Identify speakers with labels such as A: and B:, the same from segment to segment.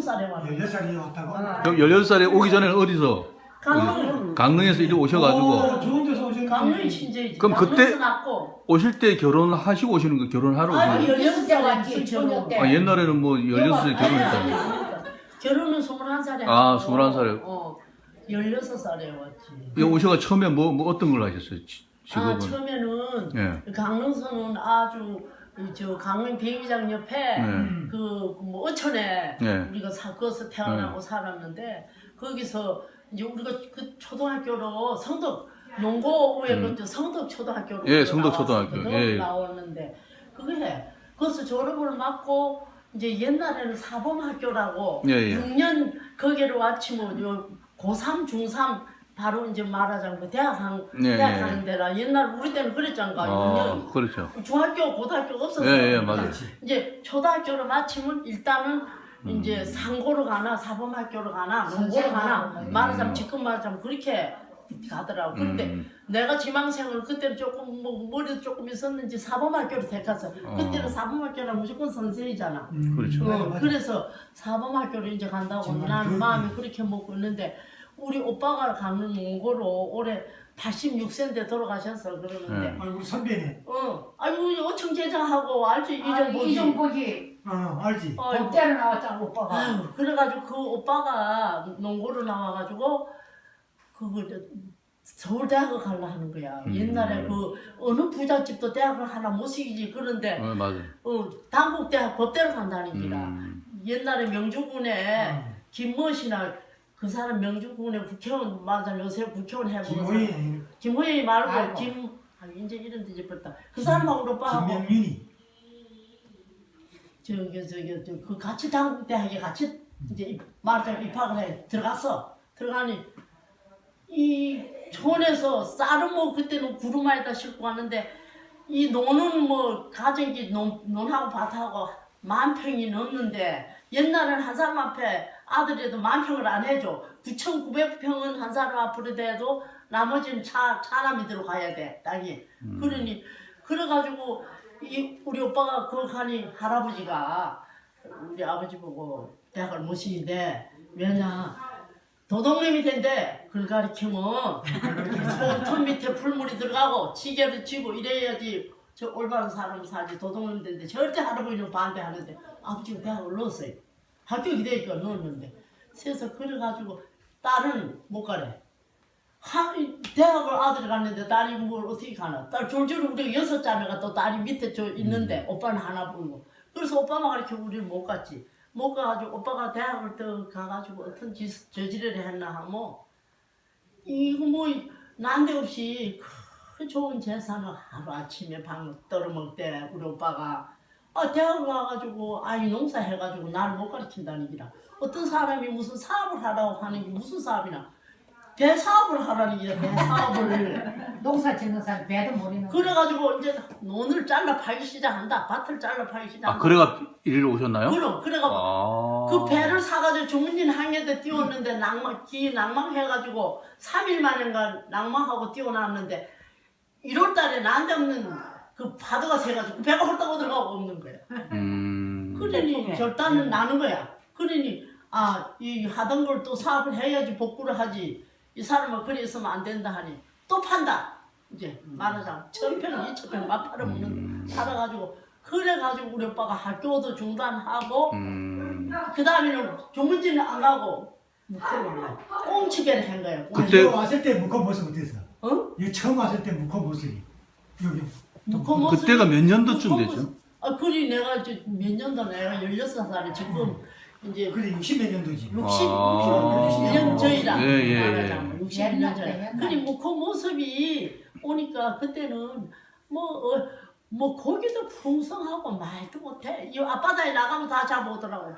A: 16살에 왔어.
B: 16살이 왔다고?
C: 그럼 16살에 오기 전에는 어디서? 강릉에서 이리 오셔가지고.
B: 좋은 데서 오셨는데.
A: 강릉이 친정이지.
C: 그럼 그때
A: 강릉에서 낳고.
C: 오실 때 결혼하시고 오시는 거 결혼하러
A: 아니,
C: 오시는
A: 16살에 왔지. 결혼.
C: 거? 아, 옛날에는 뭐 16살에 결혼했다고.
A: 결혼은 21살에
C: 아,
A: 하고,
C: 21살에.
A: 16살에 왔지.
C: 여기 오셔가 처음에 뭐 어떤 걸 하셨어요? 직업은?
A: 처음에는
C: 예.
A: 강릉서는 아주 저 강릉 배기장 옆에 그 뭐 어촌에
C: 네.
A: 우리가 거기서 태어나고 살았는데 거기서 이제 우리가 그 초등학교로 성덕 농고에 그때 성덕 초등학교로
C: 예, 성덕 초등학교. 예.
A: 나왔는데 그게 거기서 졸업을 맞고 이제 옛날에는 사범학교라고
C: 예, 예.
A: 6년 거기로 왔지만 요 고3 중3 바로 이제 말하자면 대학 가는 데라 옛날 우리 때는 그랬잖아.
C: 아, 그렇죠.
A: 중학교, 고등학교가 없었어요.
C: 예, 맞아요.
A: 이제 초등학교를 마치면 일단은 이제 상고로 가나 사범학교로 가나 농고로 가나 말하자면 지금 말하자면 그렇게 가더라고. 그런데 내가 지망생을 그때는 조금 뭐 머리도 조금 있었는지 사범학교를 택했어. 그때는 사범학교는 무조건 선생이잖아.
C: 그렇죠.
A: 그래서 사범학교를 이제 간다고 나는 마음이 그렇게 먹고 있는데 우리 오빠가 강릉 농고로 올해 86세인데 돌아가셨어 그러는데.
C: 네.
B: 아이고 선배네.
A: 아이고 어청 제자하고 알지
D: 이정복이
B: 알지.
D: 법대로 나왔잖아 오빠가.
A: 아유, 그래가지고 그 오빠가 농고로 나와가지고 그걸 서울대학을 가려 하는 거야. 옛날에 그 어느 부잣집도 대학을 하나 못 시키지 그런데
C: 맞아요.
A: 단국대학 법대로 간다는 기라. 옛날에 명주군에 김무엇이나 그 사람 명주군에 국회의원 말하자면 요새 국회의원 해보고 김호영이 말고 이제 이런 데 집었다. 그 사람하고 오빠하고
B: 김명윤이.
A: 저기 그 같이 단국대학에 같이 이제 말하자면 입학을 해 들어갔어. 들어가니 이 촌에서 쌀은 뭐 그때는 구루마에다 싣고 왔는데 이 논은 뭐 가정기 논하고 밭하고 10,000평이 넘는데 옛날에는 한 사람 앞에 아들이라도 10,000평을 안 해줘. 9,900평은 한 사람 앞으로 돼도 나머지는 차남이 들어가야 돼 땅이. 그러니 그래가지고 우리 오빠가 그걸 가니 할아버지가 우리 아버지 보고 대학을 못 시킨대. 왜냐 도둑놈이 된대. 그걸 가리키면 손 밑에 풀물이 들어가고 지게를 쥐고 이래야지 저 올바른 사람 사지. 도둑놈이 된대. 절대 할아버지는 반대하는데 아버지가 대학을 넣었어요. 학교 기대니까 넣었는데 그래서 그래가지고 딸은 못 가래. 대학을 아들이 갔는데 딸이 뭘 어떻게 가나. 딸 줄줄 우리가 6자매가 또 딸이 밑에 저 있는데 오빠는 하나 부르고. 그래서 오빠만 가르쳐 우리를 못 갔지. 못 가가지고 오빠가 대학을 또 가가지고 어떤 저지를 했나 하면 이거 뭐 난데없이 그 좋은 재산을 하루아침에 방 떨어먹을 때 우리 오빠가 대학을 가가지고 아이 농사 해가지고 나를 못 가르친다는 기라. 어떤 사람이 무슨 사업을 하라고 하는 게 무슨 사업이나 배사업을 하라는 기라. 배사업을
D: 농사 짓는 사람 배도 모르는.
A: 그래가지고 이제 논을 잘라 팔기 시작한다. 밭을 잘라 팔기 시작한다.
C: 아, 그래가 이리로 오셨나요?
A: 그래가지고 그 배를 사가지고 주문진 항해대 띄웠는데 낭망해가지고 3일 만인가 낭망하고 띄워놨는데 1월달에 난데없는 그 파도가 새가지고 배가 홀딱 들어가고 없는 거야. 그러니 결단은 나는 거야. 그러니 이 하던 걸 또 사업을 해야지 복구를 하지. 이 사람은 그래 있으면 안 된다 하니 또 판다. 이제 말하자면 1,000평, 2,000평 막 팔아먹는 팔아가지고 그래가지고 우리 오빠가 학교도 중단하고 그 다음에는 조문진은 안 가고 꽁치게를 한 거야.
C: 그때
B: 왔을 때 묵어 모습 어땠어? 이 처음 왔을 때 묵어 모습이 여기.
C: 그때가 몇 년도쯤 되죠?
A: 그리 내가 이제 몇 년도 내가 16살에 지금 이제
B: 그래 60몇 년도지.
A: 61년 전이라
C: 예.
A: 말하자면 61년 전에. 그리 뭐 그 모습이 오니까 그때는 뭐 고기도 풍성하고 말도 못해. 이 앞바다에 나가면 다 잡아오더라고.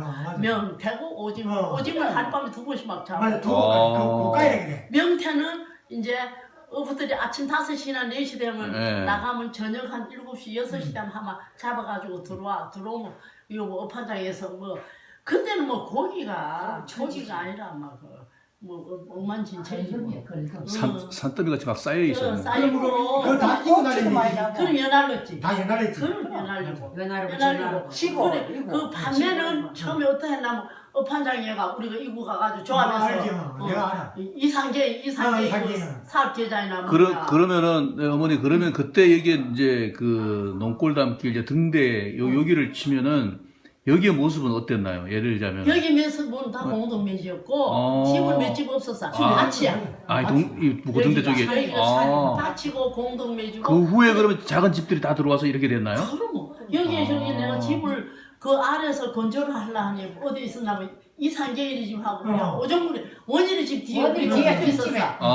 A: 명태고 오징어를 하룻밤에 2번씩 막 잡아.
B: 맞아, 고가야 그래.
A: 명태는 이제 어부들이 아침 5시나 4시 되면 나가면 저녁 한 7시, 6시 되면 아마 잡아가지고 들어오면 이거 뭐 업한장에서 뭐 그때는 뭐 고기가 아니라 막 뭐 엉만진창이고
C: 산더미 같이 막 쌓여 있어요.
A: 쌓이고
B: 그거 다 끼고 다니는
A: 그럼 연날렸지.
B: 다 연날했지.
A: 그럼 연날리고
D: 연날고
A: 치고 그 밤에는 처음에 어떻게 했냐면 업판장에가 우리가 이구 가가지고
B: 알지,
A: 조합해서
B: 내가 알아.
A: 이상계
B: 이상계는.
A: 사업계좌이나
C: 그러면은 네, 어머니 그러면 그때 여기에 이제 그 농골담길 이제 등대 여기를 치면은 여기의 모습은 어땠나요? 예를 들자면
A: 여기 몇은 다 공동묘지였고 집은 몇 집 없었어. 밭이야.
C: 이 등대 쪽에
A: 여기가 밭이고 공동묘지고.
C: 그 후에 그러면 작은 집들이 다 들어와서 이렇게 됐나요?
A: 그럼 여기에 저기 내가 집을 그 아래서 건조를 하려니 어디 있었냐면 이상계일이 집 하고 그냥 오정물에 원일이 집 뒤에
D: 원일이 뒤에 뒷집에.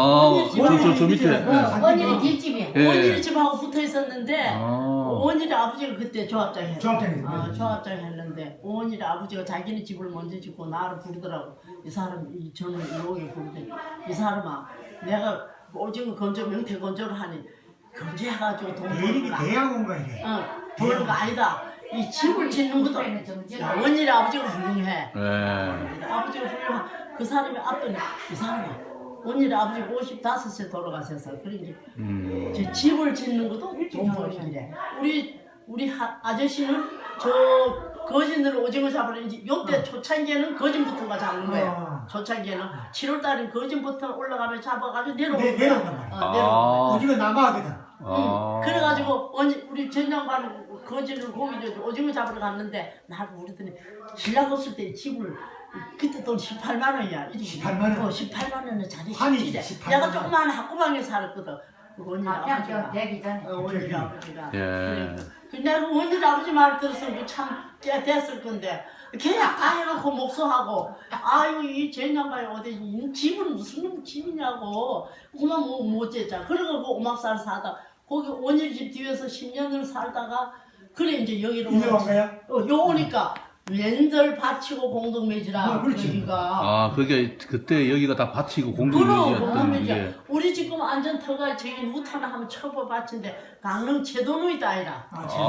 C: 저 밑에.
D: 언니 뒷집이야.
C: 예.
A: 원일이 집하고 붙어 있었는데
C: 아.
A: 원일이 아버지가 그때 조합장 했어.
B: 조합장이죠.
A: 조합장 했는데 원일이 아버지가 자기네 집을 먼저 짓고 나를 부르더라고. 이 사람 이 저는 이렇게 부르더니 이 사람아 내가 오징어 건조 명태 건조를 하니 건조해가지고 돈
B: 대립이
A: 벌까?
B: 대양 온 거야 이게.
A: 버는 거 아니다. 이 집을 짓는 것도 야, 원일이 아버지가 훌륭해.
C: 예.
A: 아버지가 훌륭한 그 사람이 앞더니 이 사람아 원일이 아버지가 55세 돌아가셔서 그러니 저 집을 짓는 것도 돈 벌기래. 우리 아저씨는 저 거진으로 오징어 잡으러 이제 요때 초창기에는 거진부터가 잡는 거야. 초창기에는 7월달에 거진부터 올라가면 잡아가지고 내려오는 거야.
B: 내려온단 말이야.
A: 내려오는 거야.
B: 오징어 남아하거든.
A: 그래가지고 우리 전장반 거지를 고기 오징어 잡으러 갔는데 나를 부르더니 신랑 없을 때 집을 그때 돈 18만 원이야.
B: 18만 원?
A: 18만 원에 자리
B: 환이지,
A: 집이래.
B: 18만
A: 내가
B: 원.
A: 조그마한 학구방에 살았거든. 그 원일 아버지가.
D: 되기 전에.
A: 원일 아버지가.
C: 예.
A: 근데 그 원일 아버지 말 들었으면 참꽤 됐을 건데 걔야 까해놓고 목소하고 아유 이 젠장방에 어디 이 집은 무슨 놈 집이냐고 그만 못 쟀잖아. 그래가지고 오막살 사다 거기 원일 집 뒤에서 10년을 살다가 그래 이제 여기로
B: 이제 온 거야?
A: 요 오니까 랜들 바치고 공동묘지라
B: 그렇지.
A: 여기가.
C: 그게 그때 여기가 다 밭이고
A: 그럼
C: 공동묘지였던
A: 공동묘지야.
C: 게.
A: 우리 지금 안전터가 저기 우타나 하면 처벌 밭인데 강릉 제도누이다 아니라.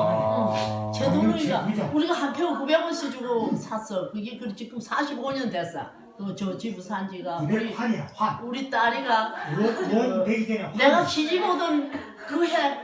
A: 제도누이가
B: 제도누이죠.
A: 우리가 한 평 900원씩 주고 샀어. 그게 그 지금 45년 됐어. 저 집을 산 지가
B: 이게 환이야 환.
A: 우리 딸이가
B: 원 되기 전에 환.
A: 내가 시집 오던 그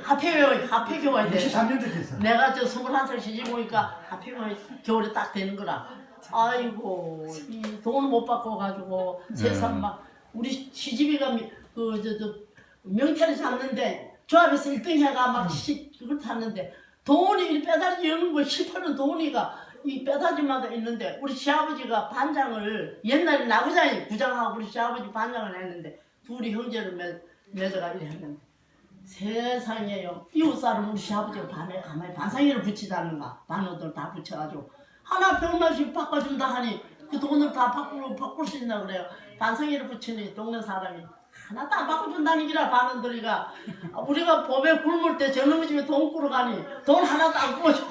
A: 해 교환이 돼.
B: 63년도 됐어.
A: 내가 저 21살 시집 오니까 하필이면 겨울에 딱 되는 거라. 아이고 이 돈을 못 받고 가지고 세상 막 우리 시집이가 저 명태를 잡는데 조합에서 1등 해가 막 그걸 탔는데 돈이 이 빼다지 여는 거 실패는 돈이가 이 빼다지마다 있는데 우리 시아버지가 반장을 옛날에 나부장이 부장하고 우리 시아버지 반장을 했는데 둘이 형제를 맺어가 이래 했는데 세상에요. 이웃 사람 우리 시아버지가 밤에 가만히 반상회를 붙이다는가 반어들 다 붙여가지고 하나 병만씩 바꿔준다 하니 그 돈을 다 바꿀 수 있나 그래요. 반상회를 붙이니 동네 사람이 하나도 안 바꿔준다는 기라 반원들이가 우리가 봄에 굶을 때 저놈의 집에 돈 꾸러 가니 돈 하나도 안 꾸어줘.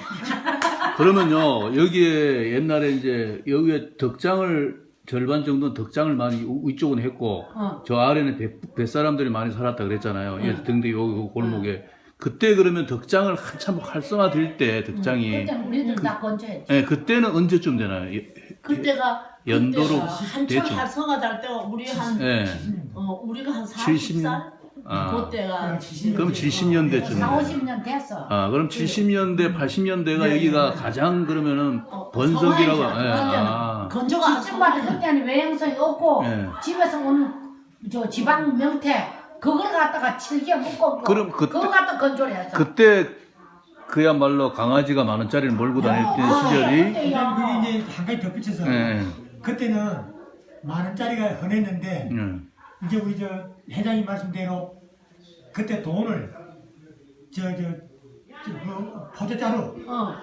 C: 그러면요 여기에 옛날에 이제 여기에 덕장을 절반 정도는 덕장을 많이 위쪽은 했고 저 아래는 뱃사람들이 많이 살았다 그랬잖아요. 등대 요 골목에 그때 그러면 덕장을 한참 활성화될 때 덕장이
D: 그때 우리들 다 건조했지.
C: 예, 그때는 언제쯤 되나요?
A: 그때가
C: 연도로
A: 한참
C: 대충.
A: 활성화 될 때가 우리 한
C: 예.
A: 우리가 한
C: 70
A: 40살 그때가
C: 그럼 70년대쯤.
D: 4, 50년 됐어.
C: 그럼 70년대, 80년대가
B: 네.
C: 여기가 가장 그러면은 번석이라고.
A: 건조가
D: 집마다 그때는 외형성이 없고
C: 예.
D: 집에서 온 저 지방 명태 그걸 갖다가 칠개 묶고
C: 그럼
D: 그거 갖다 건조를 했어.
C: 그때 그야말로 강아지가 10,000원짜리를 몰고 다닐 때 시절이.
B: 그게 이제 한 가지 덧붙여서
C: 예.
B: 그때는 10,000원짜리가 흔했는데 이제 우리 저 회장님 말씀대로 그때 돈을 그 포대자루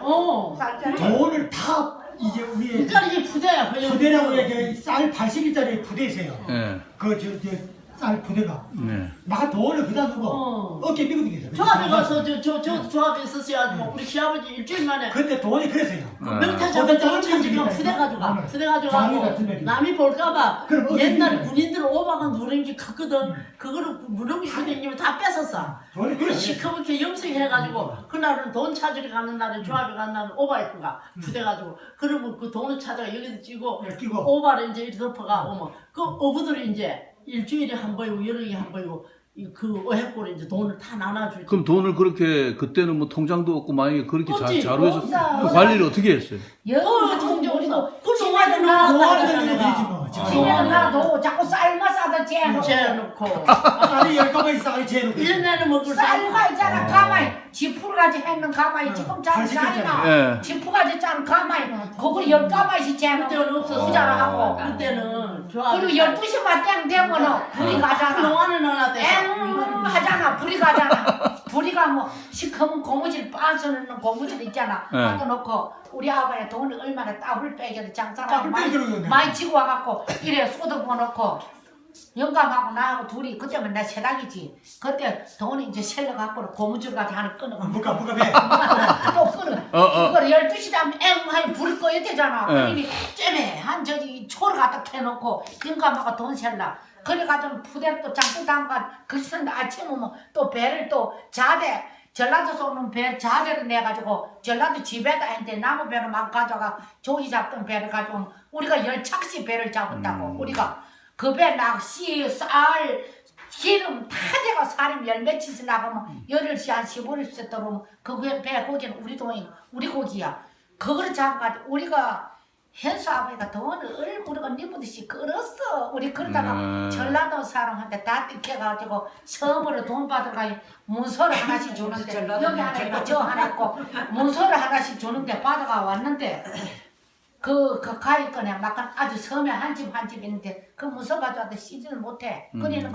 B: 돈을 다 이제 우리
A: 그러니까 이게 부대야.
B: 부대라고 해야 쌀 80일짜리 부대 있어요.
C: 예.
B: 쌀 부대가
C: 네.
B: 나 돈을 그다 두고 어깨 미거든 있어.
A: 조합에 가서 저 조합에 있었어야 뭐 우리 시아버지 일주일 만에
B: 그때 돈이 그랬어요.
A: 명태 잡을 때 천지면 부대 가져가. 부대 가져가고 남이 볼까봐
B: 그럼
A: 옛날에 군인들 오바가 누른 게 컸거든. 그거를 누르고 있거든. 다 뺏었어. 그걸 시커멓게 염색해가지고 그날은 돈 찾으러 가는 날에 조합에 가는 날은 오바했구가 부대 가지고 그러면 그 돈을 찾아가 여기다 찌고
B: 끼고.
A: 오바를 이제 이렇게 덮어가 오면 그 어부들이 이제 일주일에 한 번이고 여름에 한 번이고 그 어획고를 이제 돈을 다 나눠주지.
C: 그럼 돈을 그렇게 그때는 뭐 통장도 없고 만약에 그렇게
A: 없지.
C: 자루해서
D: 없어.
C: 그 관리를 어떻게 했어요?
A: 통장 우리도 그 동안에는
B: 좋아하는
A: 하잖아,
B: 건
A: 내가.
B: 되지 뭐.
D: 지면 나도 자꾸 쌀만 싸다 재놓고
A: 재놓고.
B: 아니 열가마이 싸가지 재놓고.
A: 1년에는 먹을
D: 쌀만 있잖아 가마이 지푸가지 했는 가마이 지금 잘 쌀이나
C: 예.
D: 지푸가지 짠 가마이 그걸 10가마씩 재놓고
A: 그때는 없었어.
D: 부자라 하고
A: 그때는 좋아.
D: 그리고 12시만 땡 되면은 불이 가잖아
A: 동안은 하나 돼서.
D: 엥 하잖아 불이 가잖아 불이 가면 시커먼 고무줄 빠져있는 고무줄 있잖아
C: 네.
D: 받아놓고 우리 아버지 돈을 얼마나 따블 빼겨도 장사를
B: 따블 빼기로
D: 많이 지고 와갖고 이래 쏟아부어 놓고 영감하고 나하고 둘이 그때면 내 세닥이지 그때 돈이 이제 셀러 갖고 고무줄 가지 하나 끊어가
B: 뭐가 배.
D: 또 끊어 그걸 12시 되면 엥 하니 불이 꺼야 되잖아
C: 네.
D: 그러니 쨈매 한 저기 초를 갖다 캐놓고 영감하고 돈 셀라 그래가지고 푸대를 또 장부 담가 그랬는데 아침에 오면 또 배를 또 자대 전라도에서 오는 배 자대를 내가지고 전라도 집에다 했는데 나무 배를 막 가져가 조기 잡던 배를 가지고 우리가 10착씩 배를 잡았다고 우리가 그 배 낚시 쌀 기름 다 돼가 사람 열 며칠씩 나가면 열흘씩 한 15일씩 들어오면 그 배 고기는 우리 돈이 우리 고기야 그거를 잡아가지고 우리가 현수 아버지가 돈을 우리가 니부듯이 끌었어. 우리 그러다가 전라도 사람한테 다 뜯겨가지고 서버로 돈 받아가 문서를 하나씩 주는데 여기 하나 있고 저 하나 있고 문서를 하나씩 주는데 받아가 왔는데 그 가위권에 막 아주 섬에 한 집 한 집 있는데 그 문서 가져와도 쓰지를 못해. 그러는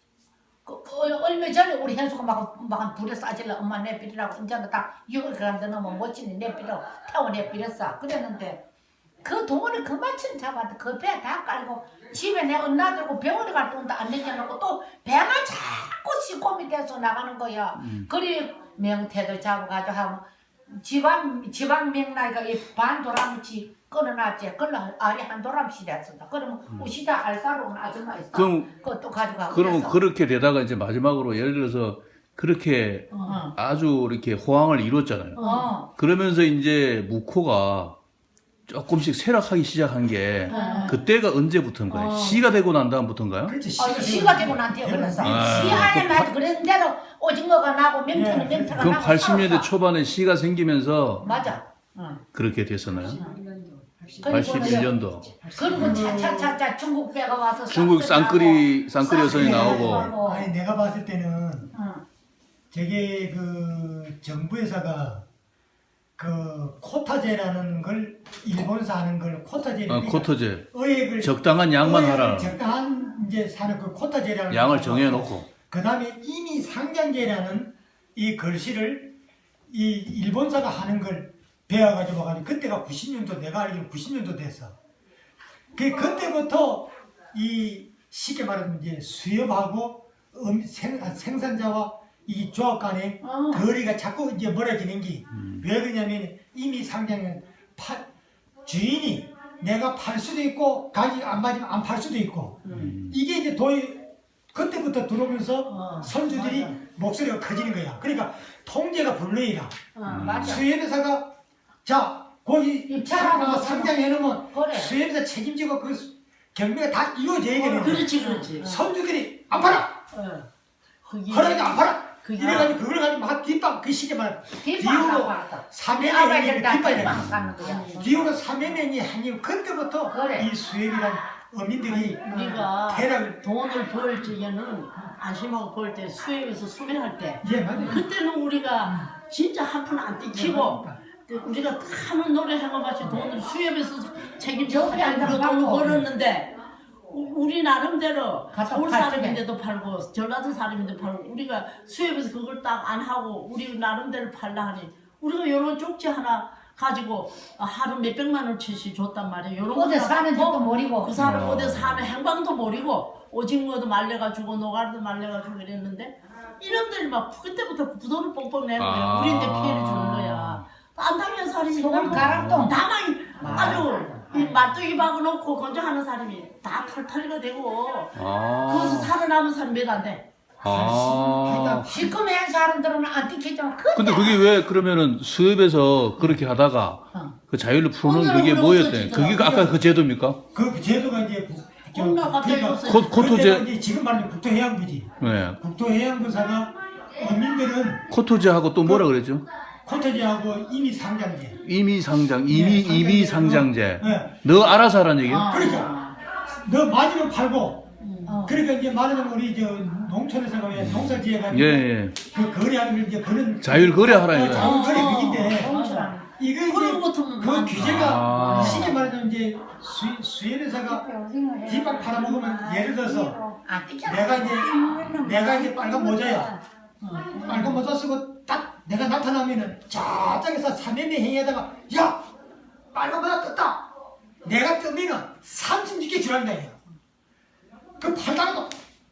D: 얼마 전에 우리 현수가 막 불에 싸질러 엄마 내비리라고 이제는 다 6월 그런데 너무 멋지니 내비려 태워 내비렸어. 그랬는데 그 돈을 그만큼 잡아도 그 배 다 깔고 집에 내가 놔두고 병원에 갈 돈도 안 내겨놓고 또 배만 자꾸 시꼼이 돼서 나가는 거야. 그리 명태도 잡아가지고 하면 지방 명나이가 이 반 도람치 끊어놨지. 그걸로 알이 한 도람치 됐었다. 그러면 우시다 알사로 온 아줌마 있어. 그것도 가져가고
C: 그러면
D: 그래서.
C: 그렇게 되다가 이제 마지막으로 예를 들어서 그렇게 아주 이렇게 호황을 이뤘잖아요. 그러면서 이제 묵호가 조금씩 쇠락하기 시작한 게 그때가 언제부터인 거예요? 시가 되고 난 다음부터인가요?
B: 그렇지.
D: 시가 되고 난뒤에 그랬어. 시 안에만 해도 그랬는데도 오징어가 나고 명태는 명태가
C: 그럼
D: 나고
C: 80년대
D: 살았어.
C: 초반에 시가 생기면서
D: 맞아.
C: 그렇게 됐었나요?
D: 그리고
C: 81년도
D: 그리고 차차차차 중국 배가 와서
C: 중국 쌍끌이 여선이
B: 네.
C: 나오고
B: 아니 내가 봤을 때는
D: 응.
B: 저게 그 정부에서가 그 코타제라는 걸 일본에서 하는 걸 코타제를
C: 코터제
B: 의액을
C: 적당한 양만 하라
B: 적당한 이제 사는 그 코타제라는
C: 양을
B: 걸
C: 정해놓고
B: 그 다음에 이미 상장제라는 이 글씨를 이 일본사가 하는 걸 배워가지고 와가지고 그때가 90년도 내가 알기로 90년도 됐어. 그때부터 이 쉽게 말하면 이제 수협하고 생산자와 이 조합 간의 거리가 자꾸 이제 멀어지는 게 왜 그러냐면 이미 상장은 주인이 내가 팔 수도 있고 가격이 안 맞으면 안 팔 수도 있고 이게 이제 그때부터 들어오면서 선주들이
A: 맞아.
B: 목소리가 커지는 거야. 그러니까 통제가 불능이라
D: 맞아.
B: 수협회사가 자 거기
D: 입찰하고
B: 상장해놓으면
D: 그래.
B: 수협회사 책임지고 그 경매가 다 이루어져야 되는데
A: 그렇지.
B: 선주들이 안 팔아
A: 그게
B: 허락이 안 팔아
A: 그게-
B: 이래가지고 그걸 가지고 막 뒷방 그 시기만
D: 뒷방하고 왔다.
B: 사매매이
D: 아버지들 다
B: 뒷방이
D: 뒷방 가는 거야.
B: 뒤로 사매매이 하니 그때부터
D: 그래.
B: 이 수협이란 어민들이
A: 우리가
B: 대략
A: 돈을 벌 적에는 안심하고 벌 때 수협에서 수배할 때
B: 예 맞아요.
A: 그때는 우리가 진짜 한 푼 안 떼치고 우리가 하는 노래 해가같이 돈을 수협에서 책임져서
D: 저번에 안
A: 우리가
D: 받고.
A: 돈을 벌었는데 우리 나름대로
D: 가서
A: 서울
D: 팔
A: 사람인데도 팔고 전라도 사람인데도 팔고 우리가 수협에서 그걸 딱 안 하고 우리 나름대로 팔라 하니 우리가 요런 쪽지 하나 가지고 하루 몇백만 원치씩 줬단 말이에요. 요런
D: 어디
A: 거
D: 사는
A: 갖고
D: 집도 모르고.
A: 그 사람 어디 사는 행방도 모르고 오징어도 말려가지고 노가리도 말려가지고 이랬는데 이놈들이 막 그때부터 부도를 뻥뻥 내는 거야. 우리한테 피해를 주는 거야. 안 당한 살이
D: 소금 가락동.
A: 나만 아주 이 말뚝이 박아놓고 건조하는 사람이 다 털털이가 되고 거기서 살아남은 사람 몇 안 돼.
D: 시커먼 사람들은 안 뜯기지만
C: 근데 그게 왜 그러면은 수협에서 그렇게 하다가 그 자율로 풀어놓은 그게
A: 오늘은
C: 뭐였대?
A: 없어지더라.
C: 그게 아까 그 제도입니까?
B: 그 제도가 이제
A: 엄마 갑자기 없어졌어.
C: 코토제
B: 그때가 이제 지금 말하는 국토해양부지.
C: 네.
B: 국토해양부사가 어민들은
C: 코토제하고 또 뭐라 그랬죠?
B: 코토제하고 임의상장제.
C: 임의상장제.
B: 네.
C: 너 알아서 하라는 얘기예요?
B: 그러니까 너 맞으면 팔고. 그러니까 이제 말하자면 우리 저 농촌에서가 왜 농사지어가지고
C: 예.
B: 그 거래하는 걸 이제 그런
C: 자율 거래하라 이거야.
B: 자율 거래 그긴데
D: 농촌.
B: 이거
A: 그런
B: 이제
A: 것도
B: 그 규제가
C: 아.
B: 쉽게 말하자면 이제 수협회사가 뒷밥 팔아먹으면 예를 들어서
D: 안 뜯겨.
B: 내가 이제 빨간 모자야. 빨간 모자 쓰고 딱 내가 나타나면은 저쪽에서 삼매매 행위에다가 야 빨간 모자 떴다. 내가 뜨면은 36개 주란다 이거. 그 팔다가도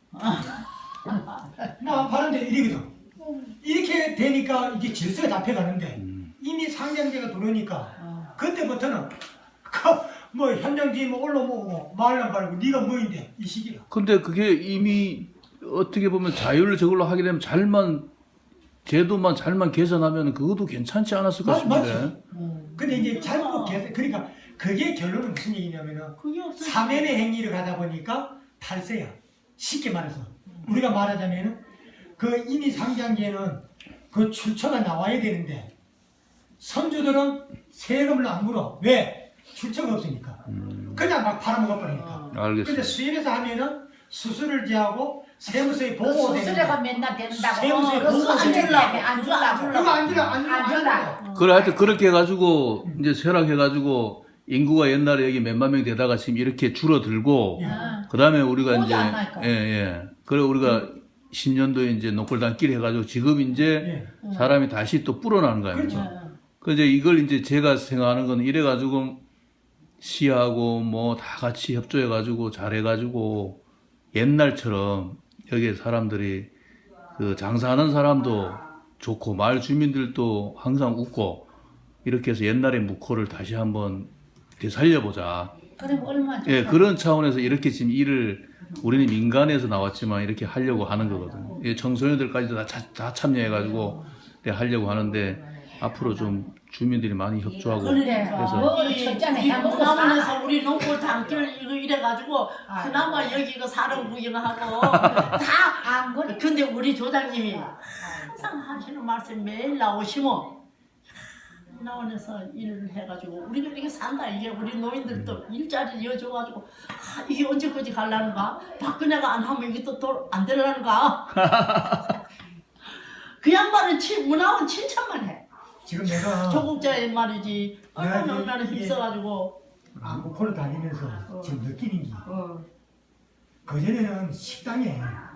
B: 나 파는데 이러거든. 이렇게 되니까 이게 질서가 잡혀가는데 이미 상장제가 들어오니까 그때부터는 뭐 현장지 뭐 올라오고 말란 말고 네가 뭐인데 이 시기가.
C: 근데 그게 이미 어떻게 보면 자율 저걸로 하게 되면 제도만 잘만 개선하면 그것도 괜찮지 않았을까 싶은데.
B: 맞지. 근데 이제 잘못 개선 그러니까 그게 결론은 무슨 얘기냐면은
A: 그게 없어.
B: 사면의 행위를 가다 보니까 탈세야. 쉽게 말해서 우리가 말하자면은 그 이미 상장제는 그 출처가 나와야 되는데 선주들은 세금을 안 물어. 왜? 출처가 없으니까. 그냥 막 팔아먹어 버리니까.
C: 알겠습니다.
B: 근데 수입에서 하면은 수수료를 제하고 세무서에 보고가
D: 수수료가
B: 되는데
D: 맨날 된다고.
B: 세무서에 보고가
D: 안
B: 되는데
D: 주려고. 안 주려고.
B: 그거 안 주려
D: 안 주려고.
C: 그래 하여튼 그렇게 해가지고 이제 쇠락해가지고 인구가 옛날에 여기 몇만 명 되다가 지금 이렇게 줄어들고 그 다음에 우리가
D: 오지
C: 이제
D: 않을 거.
C: 그래 우리가 신년도에 이제 노골단끼리 해가지고 지금 이제 사람이 다시 또 불어나는 거예요.
B: 그렇죠.
C: 그 이제 이걸 이제 제가 생각하는 건 이래가지고 시하고 뭐 다 같이 협조해가지고 잘해가지고 옛날처럼 여기 사람들이 그 장사하는 사람도 좋고 마을 주민들도 항상 웃고 이렇게 해서 옛날의 묵호를 다시 한번 되살려보자.
D: 그럼 얼마 죠?
C: 예, 그런 차원에서 이렇게 지금 일을 우리는 민간에서 나왔지만 이렇게 하려고 하는 거거든요. 예, 청소년들까지도 다 참여해가지고 하려고 하는데 앞으로 좀 주민들이 많이 협조하고
A: 그러니까
C: 그래서
D: 뭐 첫째는 해먹고
A: 문화원에서 우리 농골 단길 이거 이래가지고 그나마 여기 이거 사람 구경하고 다.
D: 그래.
A: 근데 우리 조장님이 항상 하시는 말씀 매일 나오시면 문화원에서 일을 해가지고 우리가 이렇게 산다. 이게 우리 노인들도 일자리 이어줘가지고 이게 언제까지 갈라는가? 박근혜가 안 하면 이게 또 안 되려는가? 그 양반은 문화원 칭찬만 해.
B: 지금 내가
A: 조국자의 말이지. 얼마나
B: 이게-
A: 힘써가지고.
B: 묵호를 다니면서 지금 느끼는 게 그전에는 식당에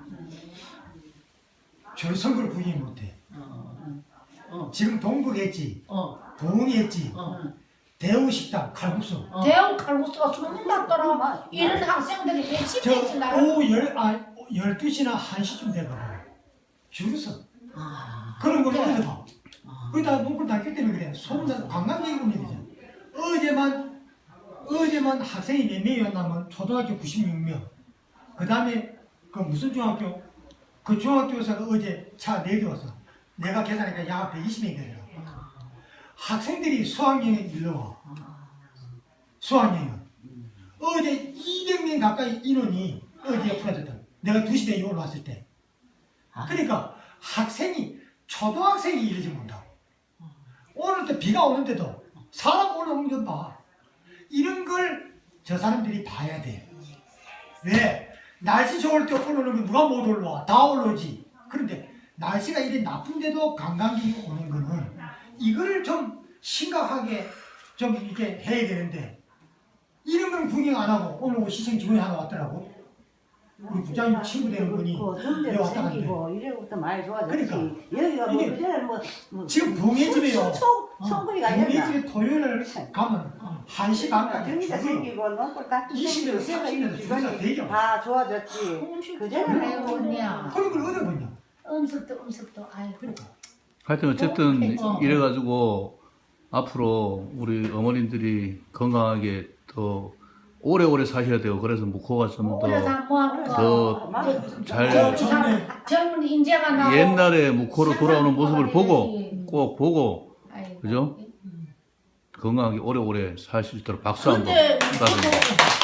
B: 줄 선거를 구경 못해. 지금 동국했지, 동했지, 대우식당, 칼국수.
D: 대형 칼국수가 소문났더라. 이런 학생들이 몇십
B: 저
D: 명씩 나가.
B: 오후 12시나 1시쯤 되거든. 줄을 서. 그런 걸 어디서 봐. 거기다 농구를 다녔기 때문에 그래. 소문난 관광객이 오면 되잖아. 어제만 학생이 몇 명이었냐면 초등학교 96명. 그 다음에 그 무슨 중학교? 그 중학교에서 어제 차 4대 왔어. 내가 계산하니까 약 120명이 되더라. 학생들이 수학여행에 일러 와. 수학여행. 어제 200명 가까이 인원이 어디에 풀어졌다. 내가 2시 대에 올라왔을 때. 그러니까 학생이 초등학생이 이러지 못하고 오늘 또 비가 오는데도 사람 올라오는 것 봐. 이런 걸 저 사람들이 봐야 돼. 왜? 날씨 좋을 때 올라오는 거 누가 못 올라와? 다 올라오지. 그런데 날씨가 이래 나쁜데도 관광객이 오는 거는 이거를 좀 심각하게 좀 이렇게 해야 되는데 이런 건 구경 안 하고 오늘 시청 직원이 하나 왔더라고. 우리 부장님 친구 되는 분이 여기 왔다 갔는데
E: 이래부터 많이 좋아졌지.
B: 그러니까.
E: 여기가 뭐
B: 이게
E: 그전에 뭐
B: 지금 동해집에요.
E: 성분이가 아니라
B: 동해집에 토요일날 가면 1시 반까지
E: 경기가
B: 죽어요.
E: 생기고 농골 딱
B: 20년, 30년 줄서 대죠.
E: 다 좋아졌지. 그전에
D: 아이고 언니야.
B: 그런 걸 어디 보냐.
D: 음습도 아이고.
C: 하여튼 어쨌든 이래가지고 앞으로 우리 어머님들이 건강하게 더 오래오래 사셔야 돼요. 그래서 묵호가 좀
D: 오래 사모하고
C: 더 잘
D: 젊은 인재가 나고
C: 옛날에 묵호로 돌아오는 모습을 보고 꼭 보고
D: 아이고.
C: 그죠? 건강하게 오래오래 사실 수 있도록 박수 한번
A: 근데
C: 부탁드립니다.